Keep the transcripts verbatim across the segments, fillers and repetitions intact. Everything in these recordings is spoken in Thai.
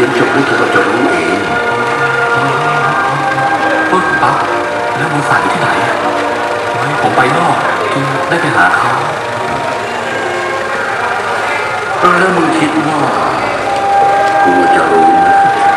ยนจบแล้วเธอก็จะรู้เองปุ๊บปั๊บแล้วมูสาอยู่ที่ไหนไม่ผมไปนอกจึงได้ไปหาเขาแล้วมึงคิดว่ากูจะรู้ไหม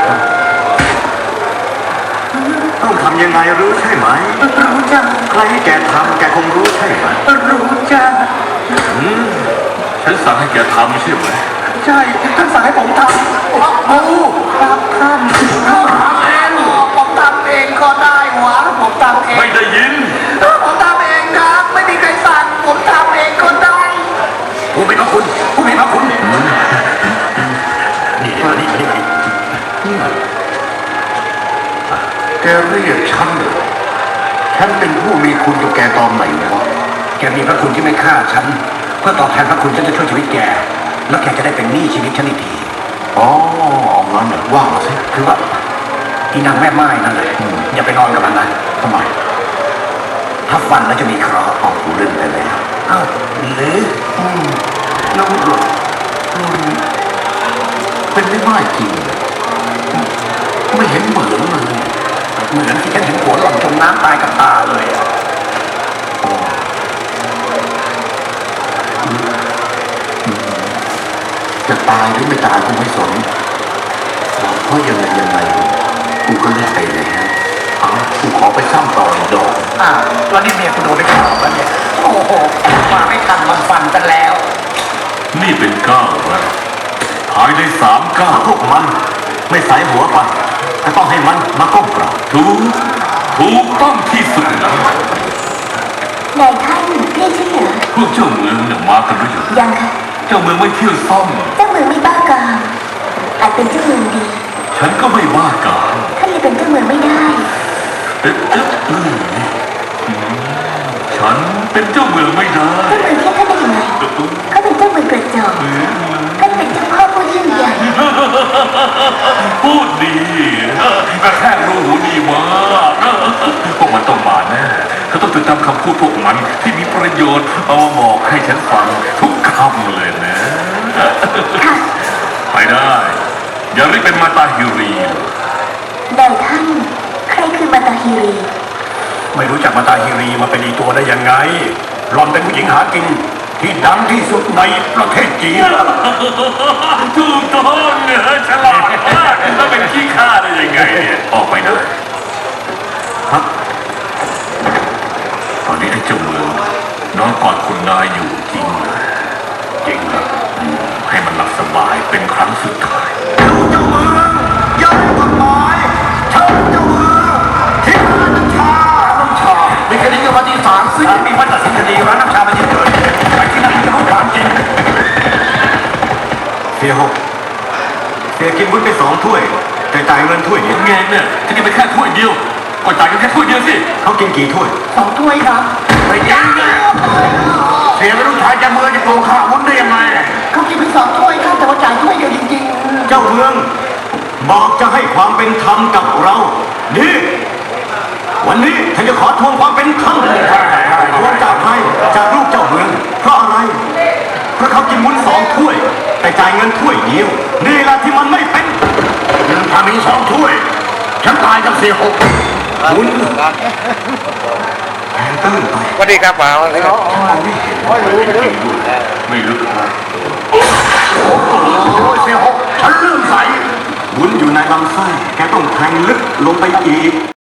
ต้องทำยังไงรู้ใช่ไหมรู้จักใครให้แกทำแกคงรู้ใช่ไหมรู้จักฉันสั่งให้แกทำใช่ไหมใช่ท่านสั่งให้ผมทำโอ้ครับท่านทำเองผมทำเองก็ได้หวะผมทำเองไม่ได้ยินผมทำเองครับไม่มีใครสั่งผมทำเองก็ได้ผู้มีพระคุณผู้มีพระคุณนี่นี่มานี่มานี่มานี่แกเรียกฉันเหรอฉันเป็นผู้มีคุณกับแกตอนไหนวะแกมีพระคุณที่ไม่ฆ่าฉันเพื่อตอบแทนพระคุณฉันจะช่วยชีวิตแกแล้วแกจะได้เป็นหนี้ชีวิตฉันอีกทีอ๋องั้นเหรอว่ามาสิคือว่าอีนางแม่ไม้นั่นแหละอย่าไปนอนกับมันนะทำไมถ้าฟันแล้วจะมีเคราะห์ออกกูเล่นไปแล้วอ้าวหรือน้องหลวงเป็นไม่ไม้จริงไม่เห็นเหมือนเลยเหมือนที่ฉันเห็นหัวหล่อนจมน้ำตายกับตาเลยอ่ะจะตายหรือไม่ตายกูไม่สนเพราะยังไงยังไงกูก็เล่นไปแล้วเอากูขอไปซ้ำต่ออีกดอกอ่าแล้วนี่เมียคุณโดนไปข่าวแล้วเนี่ยโอ้โหมาไม่ทันมันฟันกันแล้วนี่เป็นเก้าแล้วหายได้สามเก้าพวกมันไม่ใส่หัวไปจะต้องให้มันมาก้มกราบถูกถูกต้องที่สุดนะนายท่านเรียกฉันเหรอพวกเจ้าเมืองเนี่ยมากันหรือยังยังค่ะเจ้าเมืองไม่เที่ยวซ่อมเจ้าเมืองไม่บ้ากามอาจเป็นเจ้าเมืองดีฉันก็ไม่บ้ากามท่านเลยเป็นเจ้าเมืองไม่ได้เอ๊ะเอ๊ะเอ๊ะฉันเป็นเจ้าเมืองไม่ได้เจ้าเมืองเทียบท่านได้ยังไงเขาเป็นเจ้าเมืองกระจอกท่านเป็นเจ้าพ่อผู้ยิ่งใหญ่พูดดีกระแทกรูหูดีมากพวกมันต้องมาแน่เขาต้องจดจำคำพูดพวกมันที่มีประโยชน์เอามาบอกให้ฉันฟังทุกคำเลยนะไปได้อย่าเรียกเป็นมาตาฮิรีนายท่านใครคือมาตาฮิรีไม่รู้จักมาตาฮิรีมาเป็นอีตัวได้ยังไงหล่อนเป็นผู้หญิงหากินที่ดังที่สุดในประเทศจีนถูกต้องเนี่ยฉลาดมากแล้วเป็นขี้ข้าได้ยังไงเนี่ยออกไปนะครับตอนนี้ไอ้เจ้าเมืองนอนกอดคุณนายอยู่จริงจริงครับให้มันหลับสบายเป็นครั้งสุดท้ายเจ้าเมืองย้ายกฎหมายเชิญเจ้าเมืองที่ร้านน้ำชาน้ำชามีคดีกับวันที่สามซึ่งมีวันตัดสินคดีร้านน้ำชามาเยอะเลยไปที่นั่นจะรู้ความจริงเสียหกเสียกินวุ้นไปสองถ้วยแต่จ่ายเงินถ้วยเดียวไงเนี่ยจะกินไปแค่ถ้วยเดียวก็จ่ายกันแค่ถ้วยเดียวสิเขากินกี่ถ้วยสองถ้วยครับไม่จริงนะเสียเป็นลูกชายจะเมืองจะโกงข้าวุ้นได้ยังไงเขากินไปสองถ้วยครับแต่ว่าจ่ายถ้วยเดียวจริงๆเจ้าเมืองบอกจะให้ความเป็นธรรมกับเรานี่วันนี้ฉันจะขอทวงความเป็นธรรมทวงจากใครจากลูกเจ้าเมืองเพราะอะไรเพราะเขากินวุ้นสองถ้วยแต่จ่ายเงินถ้วยเดียวนี่แหละที่มันไม่เป็นเงินพามีสองถ้วยฉันตายกับเสียหกวุ้นแทนตื้นไปสวัสดีครับมาวันนี้ครับไม่รู้ไม่รู้ไม่รู้โอ้เสียหกฉันเลื่อมใสวุ้นอยู่ในลำไส้แกต้องแทงลึกลงไปอีก